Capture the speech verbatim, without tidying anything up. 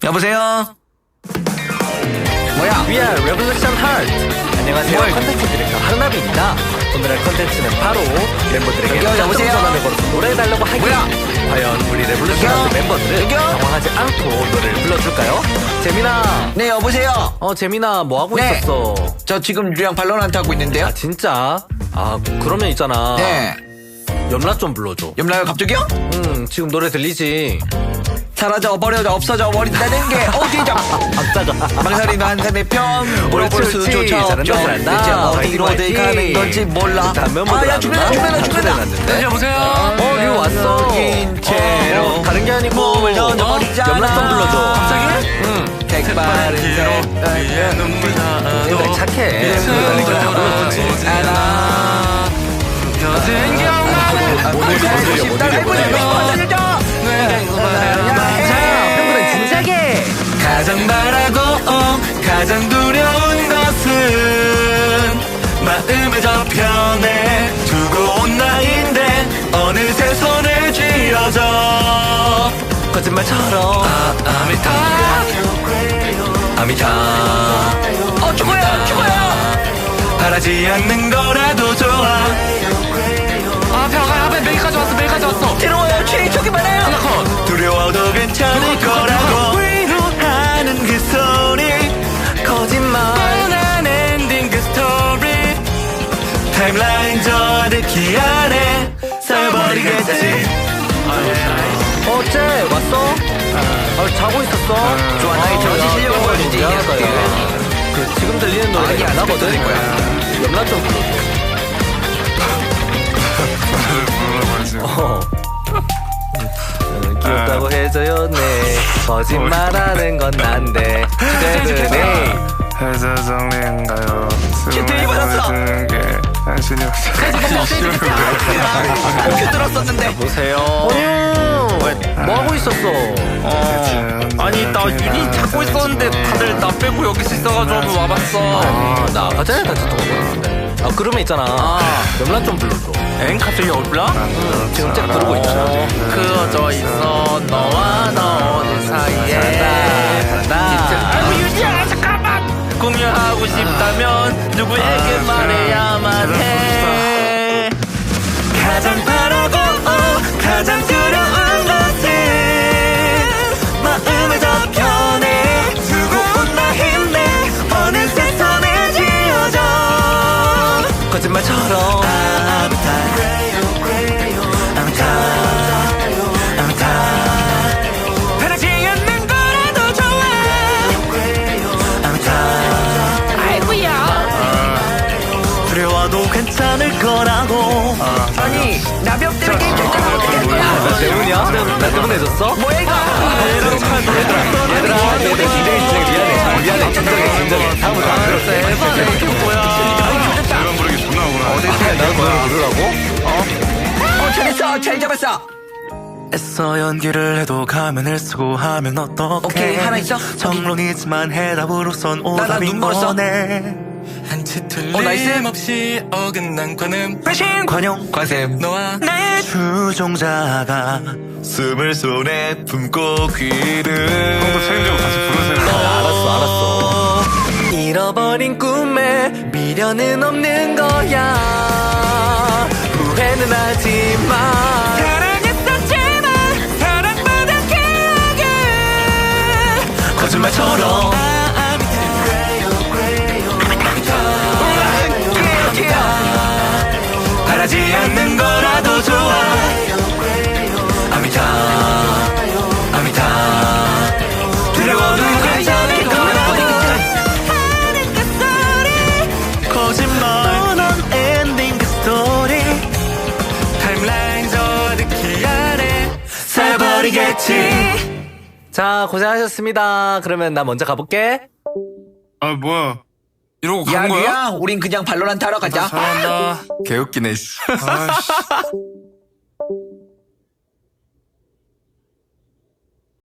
여보세요? 뭐야? We are Revolution Heart. 안녕하세요. 뭘? 컨텐츠 디렉터 한나비입니다. 오늘의 컨텐츠는 바로 멤버들에게 여기요, 여보세요? 전화를 걸어서 노래해달라고 하기. 뭐야? 과연 우리 레볼루션 여기요? 하트 멤버들은 여기요? 당황하지 않고 노래를 불러줄까요? 재민아. 네, 여보세요? 어 재민아 뭐 하고 네. 있었어? 저 지금 유리랑 발로란트 하고 있는데요? 아 진짜? 아 그러면 있잖아. 네. 염라 좀 불러줘. 염라요, 갑자기요? 응 지금 노래 들리지? 사라져, 버려져, 없어져, 버린다는 게 어디죠? 아따가. 망설이는 한내 편, 물어볼 옳지, 옳지. 수조차 잘한다, 없죠. 잘한다. 대체 어디로 화이팅, 화이팅. 가는 건지 몰라. 다음 멤버들 아, 야, 안 죽는다, 오나? 죽는다, 아, 죽는다. 초대해놨는데? 여보세요? 어, 류 왔어. 긴 채로 어, 다른 게 아니고 몸을 던져버리잖아. 염라 좀 불러줘. 갑자기? 응. 색바른 뒤로 위에 눈물 얘들 나도 착해. 돌아오지 않아 펴진 기억만은 오늘 살고 싶다, 살고 싶다, 자, 팬분들 진지하게. 가장 바라고 가장 두려운 것은 마음의 저편에 두고 온 나인데 어느새 손을 쥐어져 거짓말처럼. 아, 아미타 아미타 어, 죽어요, 죽어요. 바라지 않는 거라도 좋아 아 벽아 앞에 메이까지 왔어 메이까지 왔어 들어와요, 취해, 저기만 해요. 하나컷 두려워도 괜찮을 거라고 위로하는 그 소리 거짓말. 뻔한 엔딩 그 스토리 타임라인 저득히 안에 써버리겠지 어째 왔어? 아, 자고 있었어? 좋아, 나의 저지 실력을 보여주지. 미안하다, 야. 그 지금 들리는 노래가 아니야, 안 나거든? 들릴 거야. 염라 좀 불러줘. 어. 음, 귀엽다고 해줘요, 네. 거짓말하는 건 난데. 그래. 회사 정리인가요? 큐트이 받았어. 게 당신이 큐 들었었는데. 보세요. 뭐 하고 있었어? 아니 나 유닛 찾고 있었는데 다들 나 빼고 여기 있어가지고 와봤어 아, 나 아까 전에 같이 통화 보냈는데. 아, 그러면 있잖아. 염라 좀 불러줘. 엥 갑자기 올라? 지금 쫙 부르고 있잖아. 그어져 있어 너와 너 오늘 사이에 잘한다. 아이고 유지야 잠깐만 공유하고 싶다면 누구에게 말해야만 해 가장 바라고 가장 두려운 것은 마음의 저편에 두고 온 나인데 어느새 손에 쥐어져 거짓말처럼. 아미타 아미타 아미타 바라지 않는 거라도 좋아 아미타 아이고야 두려워도 괜찮을 거라고 아니, 나병 때문에 게임 결정을 어떻게 할 거야? 나 때문이야? 나 때문에 졌어? 뭐야, 이거? 얘들아, 얘들아, 얘들 기대해 주세요. 미안해. 미안해. 진정해, 진정해. 다음부터 안 그럴게. 이거 뭐야 이런 부르기 존나 억울하네. 나도 노래 부르라고? 어, 잘했어, 잘 잡았어. 애써 연기를 해도 가면을 쓰고 하면 어떡해 오케이, 하나 있어? 정론이지만 해답으로선 나, 나 오답이 눈 멀었어. 뭐네 한치 어, 나이스. 틀림없이 어긋난 관음 패싱! 관용 관샘. 너와 내 추종자가 숨을 손에 품고 귀를 형도 책임지고 같이 부르세요. 알았어, 알았어. 잃어버린 꿈에 미련은 없는 거야. 후회는 하지 마. 사랑했었지만 사랑받은 기억에 거짓말처럼 바라지 않는 거라도 좋아 아미타 아미타 두려워도 괜찮을 거라고 하는 그 소리 거짓말 뻔한 엔딩 그 스토리 타임라인 저득히 안에 써버리겠지 자, 고생하셨습니다. 그러면 나 먼저 가볼게. 아 뭐야? 이러고 야, 간 거야? 류야, 우린 그냥 발로란트 하러 가자. 잘한다 개웃기네 아씨.